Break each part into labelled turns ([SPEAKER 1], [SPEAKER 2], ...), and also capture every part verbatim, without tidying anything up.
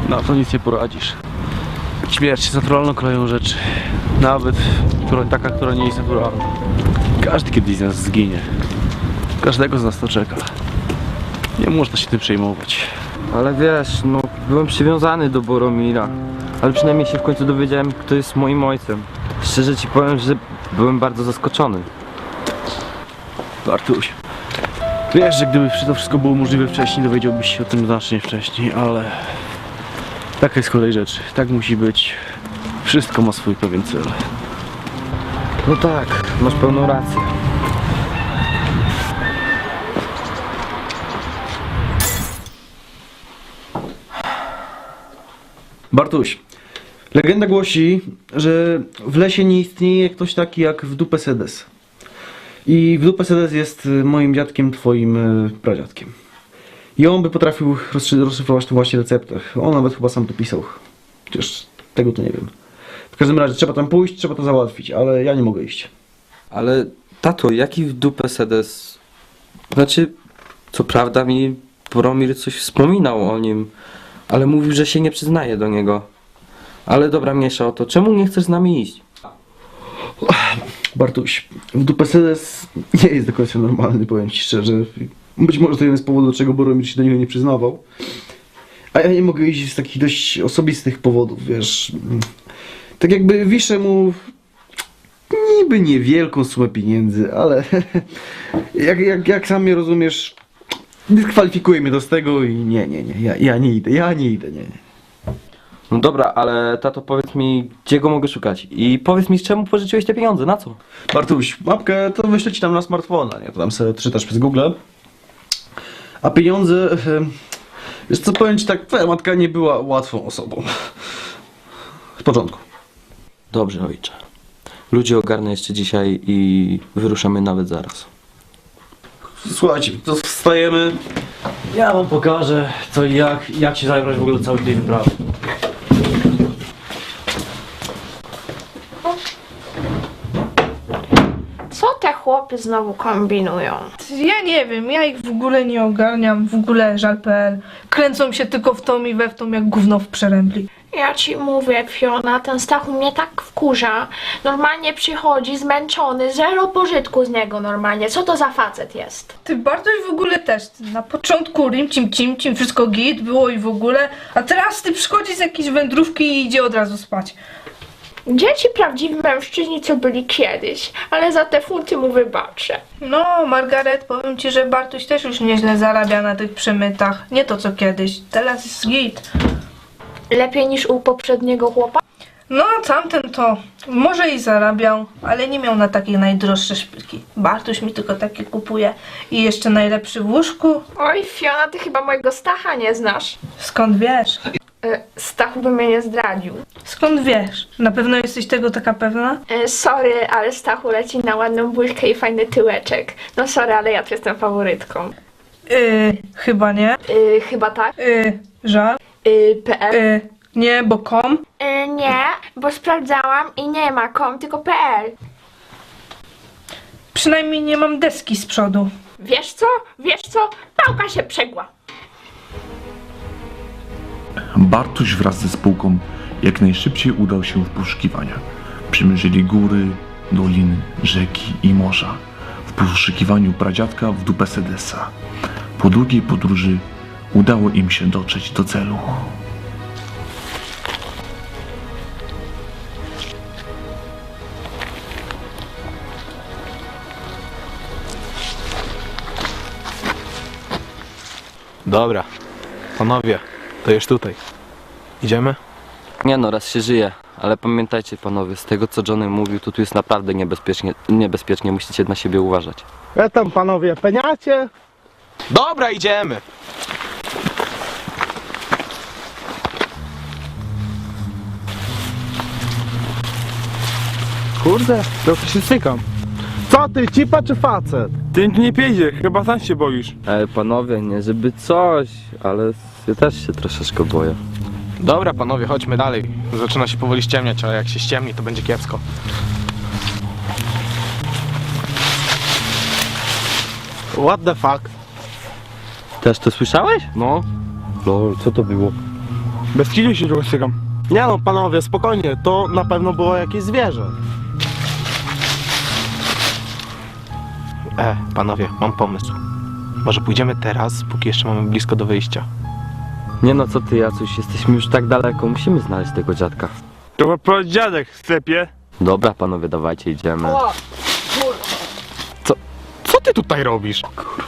[SPEAKER 1] Na to nic nie poradzisz. Śmierć jest naturalną koleją rzeczy. Nawet która, taka, która nie jest naturalna. Każdy kiedyś z nas zginie. Każdego z nas to czeka. Nie można się tym przejmować.
[SPEAKER 2] Ale wiesz, no byłem przywiązany do Boromira. Ale przynajmniej się w końcu dowiedziałem, kto jest moim ojcem. Szczerze ci powiem, że byłem bardzo zaskoczony.
[SPEAKER 1] Bartuś, wiesz, że gdyby to wszystko było możliwe wcześniej, dowiedziałbyś się o tym znacznie wcześniej, ale taka jest kolej rzeczy. Tak musi być. Wszystko ma swój pewien cel.
[SPEAKER 2] No tak, masz pełną rację.
[SPEAKER 1] Bartuś, legenda głosi, że w lesie nie istnieje ktoś taki jak Wdupe Sedes. I Wdupe Sedes jest moim dziadkiem, twoim pradziadkiem. I on by potrafił rozszyfrować tą właśnie receptę. On nawet chyba sam to pisał. Chociaż tego to nie wiem. W każdym razie trzeba tam pójść, trzeba to załatwić, ale ja nie mogę iść.
[SPEAKER 2] Ale tato, jaki w dupę Sedes? Znaczy, co prawda mi Boromir coś wspominał o nim, ale mówił, że się nie przyznaje do niego. Ale dobra, mniejsza o to. Czemu nie chcesz z nami iść?
[SPEAKER 1] Bartuś, Wdupe Sedes nie jest do końca normalny, powiem ci szczerze. Być może to jeden z powodów, dlaczego Boromir się do niego nie przyznawał. A ja nie mogę iść z takich dość osobistych powodów, wiesz. Tak jakby wiszę mu niby niewielką sumę pieniędzy, ale jak, jak, jak sam mnie rozumiesz, dyskwalifikuje mnie do z tego i nie, nie, nie, ja, ja nie idę, ja nie idę, nie, nie.
[SPEAKER 2] No dobra, ale tato, powiedz mi, gdzie go mogę szukać? I powiedz mi, z czemu pożyczyłeś te pieniądze, na co?
[SPEAKER 1] Bartuś, mapkę to wyślę ci tam na smartfona, nie? To tam sobie czytasz przez Google. A pieniądze, wiesz co, powiem ci tak, twoja matka nie była łatwą osobą. W porządku.
[SPEAKER 2] Dobrze, ojcze. Ludzi ogarnę jeszcze dzisiaj i wyruszamy nawet zaraz.
[SPEAKER 1] Słuchajcie, to wstajemy. Ja wam pokażę co i jak, jak się zabrać w ogóle do całej tej wyprawy.
[SPEAKER 3] Co te chłopy znowu kombinują?
[SPEAKER 4] Ja nie wiem, ja ich w ogóle nie ogarniam, w ogóle żal kropka p l. Kręcą się tylko w tą i we w tą jak gówno w przerębli.
[SPEAKER 3] Ja ci mówię, Fiona, ten Stachu mnie tak wkurza. Normalnie przychodzi zmęczony, zero pożytku z niego normalnie. Co to za facet jest?
[SPEAKER 4] Ty Bartoś w ogóle też, na początku rimcim cimcim, wszystko git było i w ogóle, a teraz ty przychodzi z jakiejś wędrówki i idzie od razu spać.
[SPEAKER 3] Dzieci prawdziwi mężczyźni, co byli kiedyś, ale za te funty mu wybaczę.
[SPEAKER 4] No, Margaret, powiem ci, że Bartoś też już nieźle zarabia na tych przemytach. Nie to co kiedyś, teraz jest git.
[SPEAKER 3] Lepiej niż u poprzedniego chłopa?
[SPEAKER 4] No, tamten to może i zarabiał, ale nie miał na takie najdroższe szpilki. Bartuś mi tylko takie kupuje i jeszcze najlepszy w łóżku.
[SPEAKER 3] Oj, Fiona, ty chyba mojego Stacha nie znasz.
[SPEAKER 4] Skąd wiesz?
[SPEAKER 3] E, Stachu by mnie nie zdradził.
[SPEAKER 4] Skąd wiesz? Na pewno jesteś tego taka pewna?
[SPEAKER 3] E, sorry, ale Stachu leci na ładną buźkę i fajny tyłeczek. No sorry, ale ja tu jestem faworytką.
[SPEAKER 4] Yy, chyba nie.
[SPEAKER 3] E, chyba tak?
[SPEAKER 4] Yy, żal.
[SPEAKER 3] E, P M?
[SPEAKER 4] Yy, nie, bo kom.
[SPEAKER 3] E, nie, bo sprawdzałam i nie ma kom, tylko P L.
[SPEAKER 4] Przynajmniej nie mam deski z przodu.
[SPEAKER 3] Wiesz co? Wiesz co? Pałka się przegła.
[SPEAKER 5] Bartuś wraz ze spółką jak najszybciej udał się w poszukiwania. Przymierzyli góry, doliny, rzeki i morza w poszukiwaniu pradziadka Wdupe Sedesa. Po długiej podróży udało im się dotrzeć do celu.
[SPEAKER 6] Dobra, panowie, to już tutaj. Idziemy?
[SPEAKER 2] Nie no, raz się żyje, ale pamiętajcie panowie, z tego co Johnny mówił, to tu jest naprawdę niebezpiecznie, niebezpiecznie, musicie na siebie uważać.
[SPEAKER 7] Ja tam panowie, peniacie?
[SPEAKER 6] Dobra, idziemy!
[SPEAKER 7] Kurde, trochę się stykam. Co ty, cipa czy facet?
[SPEAKER 8] Ty nie piędzie, chyba sam się boisz.
[SPEAKER 2] Ej panowie, nie żeby coś, ale ja też się troszeczkę boję.
[SPEAKER 6] Dobra, panowie, chodźmy dalej. Zaczyna się powoli ściemniać, ale jak się ściemni, to będzie kiepsko.
[SPEAKER 7] What the fuck?
[SPEAKER 2] Też to słyszałeś? No. Lol, co to było?
[SPEAKER 8] Bez kilu się trochę stykam.
[SPEAKER 7] Nie no, panowie, spokojnie, to na pewno było jakieś zwierzę.
[SPEAKER 6] E, panowie, mam pomysł. Może pójdziemy teraz, póki jeszcze mamy blisko do wyjścia.
[SPEAKER 2] Nie no, co ty, Jacuś, jesteśmy już tak daleko, musimy znaleźć tego dziadka.
[SPEAKER 8] To chyba dziadek w sklepie.
[SPEAKER 2] Dobra, panowie, dawajcie, idziemy.
[SPEAKER 6] Co ty tutaj robisz?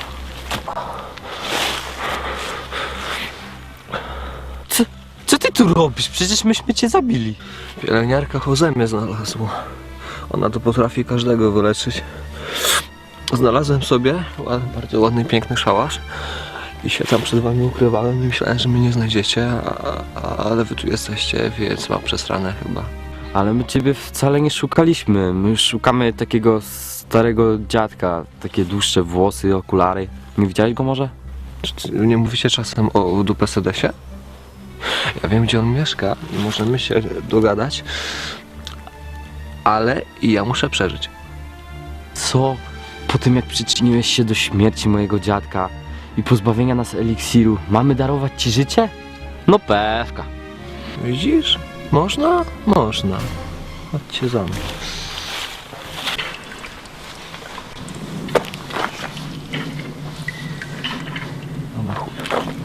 [SPEAKER 2] Co, co ty tu robisz? Przecież myśmy cię zabili.
[SPEAKER 9] Pielęgniarka Jose mnie znalazła. Ona to potrafi każdego wyleczyć. Znalazłem sobie ład- bardzo ładny, piękny szałasz i się tam przed wami ukrywałem i myślałem, że mnie nie znajdziecie, a, a, ale wy tu jesteście, więc mam przesrane chyba.
[SPEAKER 2] Ale my ciebie wcale nie szukaliśmy. My szukamy takiego starego dziadka. Takie dłuższe włosy, okulary. Nie widziałeś go może?
[SPEAKER 9] Czy, czy nie mówicie czasem o dupę sedesie? Ja wiem, gdzie on mieszka i możemy się dogadać, ale i ja muszę przeżyć.
[SPEAKER 2] Co? Po tym jak przyczyniłeś się do śmierci mojego dziadka i pozbawienia nas eliksiru, mamy darować ci życie? No pewka.
[SPEAKER 9] Widzisz? Można? Można. Chodźcie za mną. Dobra, chuj.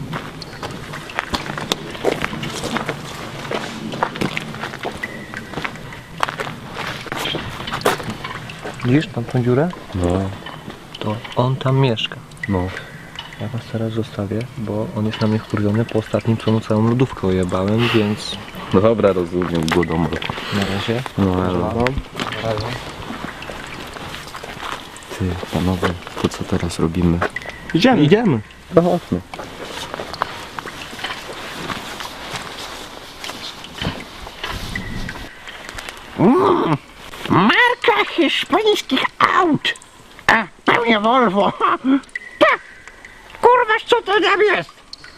[SPEAKER 9] Widzisz tam tą dziurę?
[SPEAKER 2] No,
[SPEAKER 9] To on tam mieszka.
[SPEAKER 2] no.
[SPEAKER 9] Ja was teraz zostawię, bo on jest na mnie wkurwiony po ostatnim, co mu całą lodówkę ojebałem, więc
[SPEAKER 2] No dobra, rozumiem, głodomor.
[SPEAKER 9] na razie.
[SPEAKER 2] No elo. Ty, panowie, to co teraz robimy?
[SPEAKER 8] Idziemy.
[SPEAKER 7] Idziemy.
[SPEAKER 2] No chodźmy.
[SPEAKER 10] Marka hiszpańskich aut. A, pewnie Volvo. Tak. Kurwa, co to tam jest?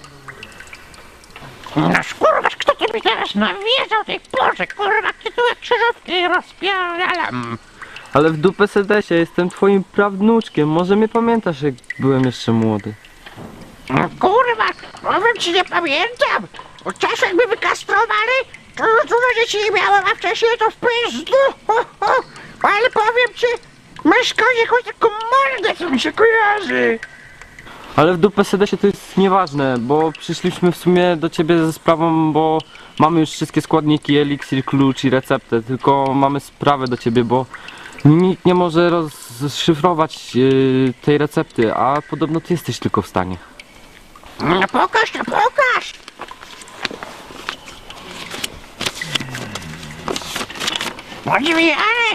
[SPEAKER 10] No kurwa, kto to mi teraz nawiedzał tej porze? Kurwa, ty tu jak krzyżówki rozpierdalam.
[SPEAKER 2] Ale w dupę sedesie, jestem twoim prawnuczkiem. Może mnie pamiętasz, jak byłem jeszcze młody.
[SPEAKER 10] No kurwa, powiem ci, nie pamiętam. Od czasu jak mnie wykastrowali, to dużo dzieci nie miałem, a wcześniej to w pizdu. Ho, ho. Ale powiem ci, myszka jakąś taką mordę, co mi się kojarzy.
[SPEAKER 2] Ale w dupę sedesie to jest nieważne, bo przyszliśmy w sumie do ciebie ze sprawą, bo mamy już wszystkie składniki, eliksir, klucz i receptę, tylko mamy sprawę do ciebie, bo nikt nie może rozszyfrować yy, tej recepty, a podobno ty jesteś tylko w stanie.
[SPEAKER 10] No pokaż, no pokaż. Odwijane.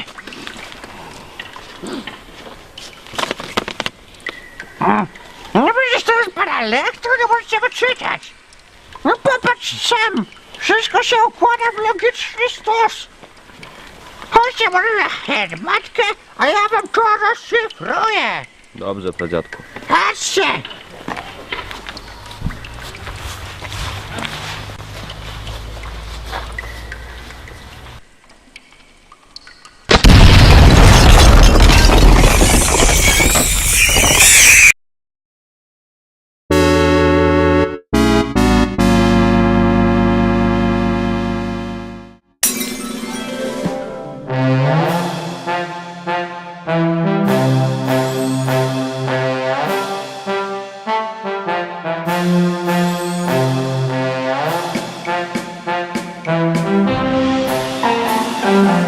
[SPEAKER 10] No przecież to jest banalne, jak to nie możecie go czytać? No popatrz sam, wszystko się układa w logiczny stos. Chodźcie może na herbatkę, a ja wam to rozszyfruję.
[SPEAKER 2] Dobrze, pradziadku.
[SPEAKER 10] Patrzcie.
[SPEAKER 3] Thank you.